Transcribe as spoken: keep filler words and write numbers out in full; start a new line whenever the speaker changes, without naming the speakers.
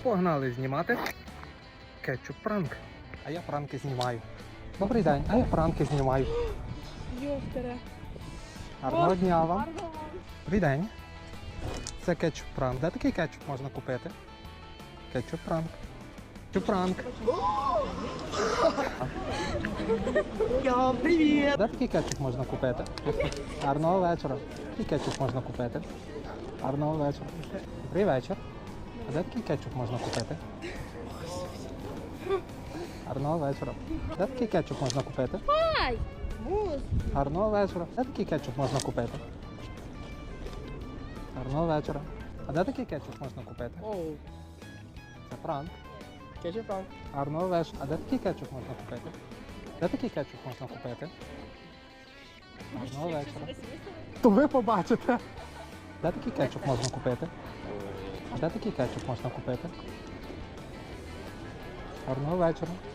Погнали знімати кетчуп пранк. А я пранки знімаю. Добрий день, а я пранки знімаю.
Йофтере.
Гарного дня вам. Добрий день. Це кетчуп пранк. Де такий кетчуп можна купити? Кетчуп пранк. Кетчуп пранк.
Йо, привіт!
Де такий кетчуп можна купити? Гарного вечора. Який кетчуп можна купити? Гарного вечора. Добрий вечір. А де такий кетчуп можна купити? Гарного вечора. Де такий кетчуп можна купити?
Ай! Мус!
Гарного вечора. Де такий кетчуп можна купити? Гарного вечора. А де такий кетчуп можна купити?
Оу,
Це пранк.
кетчуп пранк.
Гарного вечора. А де такий кетчуп можна купити? Де такий кетчуп можна купити? Гарного вечора. То ви побачите. Де такий кетчуп можна купити? Де такий кетчуп можна купити? Гарного вечора.